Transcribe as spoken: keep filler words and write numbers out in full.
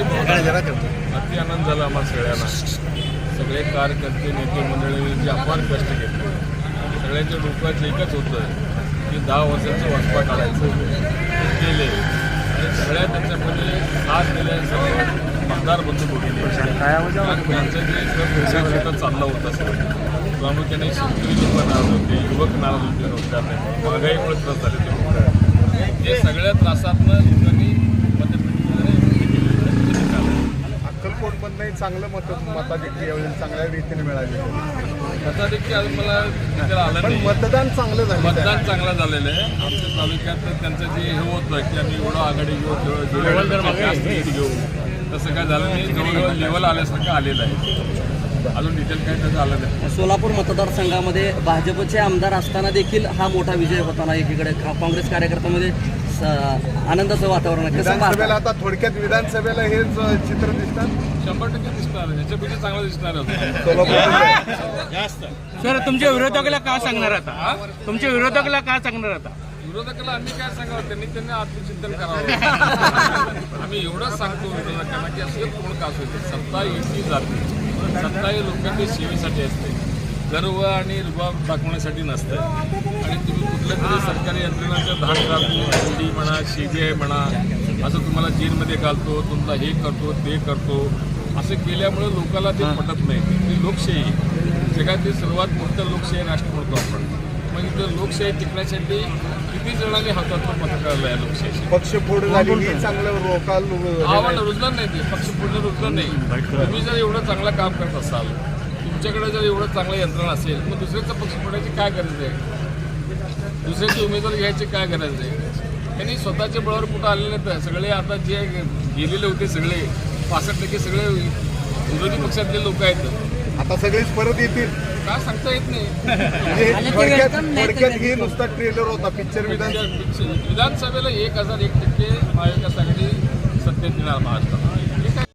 अति आनंद झाला आम्हाला सगळ्यांना. सगळे कार्यकर्ते नेते मंडळी जे अपार कष्ट घेतले, सगळ्यांच्या डोक्याचं एकच होतं की दहा वर्षाचं वाचपा काढायचं केले आणि सगळ्या त्याच्यामध्ये साथ दिल्या. सर्व मतदार बंधू बघितले, त्यांचं जे शेतात चाललं होतं सगळं प्रामुख्याने शेतकरी लोक नाराज होते, युवक नाराज होते रोजगार महागाईमुळे त्रास झाले ते लोक. हे सगळ्या त्रासातनं लोकांनी अक्कलकोटमधनंही चांगलं मत मताधिक्य यावेळी चांगल्या रीतीने मिळाले. मताधिक्य अजून मला तिथे आलं पण नाही. मतदान चांगलं झालं. मतदान चांगलं झालेलं आहे. आमच्या तालुक्यात त्यांचं जे हे होतं की आम्ही एवढं आघाडी घेऊ घेऊ तसं काय झालं नाही. जवळजवळ लेवल आल्यासारखं आलेलं आहे. अजून डिटेल काय त्याचं आलं नाही. सोलापूर मतदारसंघामध्ये भाजपचे आमदार असताना देखील हा मोठा विजय होताना एकीकडे काँग्रेस कार्यकर्त्यामध्ये आनंदाचं वातावरण आहे. कसं विधानसभेला आता थोडक्यात विधानसभेला हेच चित्र दिसतात. शंभर टक्के दिसणार आहे. ह्याच्यापेक्षा चांगलं दिसणार होतं सोलापूर जास्त. सर तुमच्या विरोधकाला का सांगणार आता तुमच्या विरोधकाला का सांगणार आता विरोधकाला आम्ही काय सांगावं, त्यांनी त्यांनी आत्मचिंतन करावं. आम्ही एवढंच सांगतो विरोधकांना की असं कोण का असू दे, सत्ता युती जाते. सत्ता ही लोकांच्या सेवेसाठी असते, गर्व आणि रुबाब दाखवण्यासाठी नसतं. आणि तुम्ही कुठल्या तरी सरकारी यंत्रणांच्या धाड घालतो, ईडी म्हणा, सीबीआय म्हणा, असं तुम्हाला जेलमध्ये घालतो, तुमचा हे करतो ते करतो, असं केल्यामुळे लोकांना ते पटत नाही. ती लोकशाही जगातील सर्वात मोठं लोकशाही राष्ट्र म्हणतो आपण. मग इथं लोकशाही टिकण्यासाठी किती जणांनी हातातून पथकावलं आहे लोकशाही. पक्षफोड झाली ही चांगलं लोकाल आव्हान रुजलं नाही, ते पक्ष पुढलं रुजलं नाही. तुम्ही जर एवढं चांगलं काम करत असाल, तुमच्याकडे जर एवढं चांगलं यंत्रणा असेल, मग दुसऱ्याचं पक्ष फोडायची काय गरज आहे? दुसऱ्याचे उमेदवार घ्यायची काय गरज आहे? त्यांनी स्वतःच्या बळावर कुठं आलेले तर सगळे आता जे गेलेले होते सगळे पासष्ट टक्के सगळे विरोधी पक्षातले लोक आहेत. आता सगळेच परत येतील काय सांगता येत नाही. म्हणजे थोडक्यात थोडक्यात ही नुसता ट्रेलर होता पिक्चर. विधान विधानसभेला एक हजार एक टक्के महाविकास आघाडी सत्तेत येणार महाराष्ट्रात.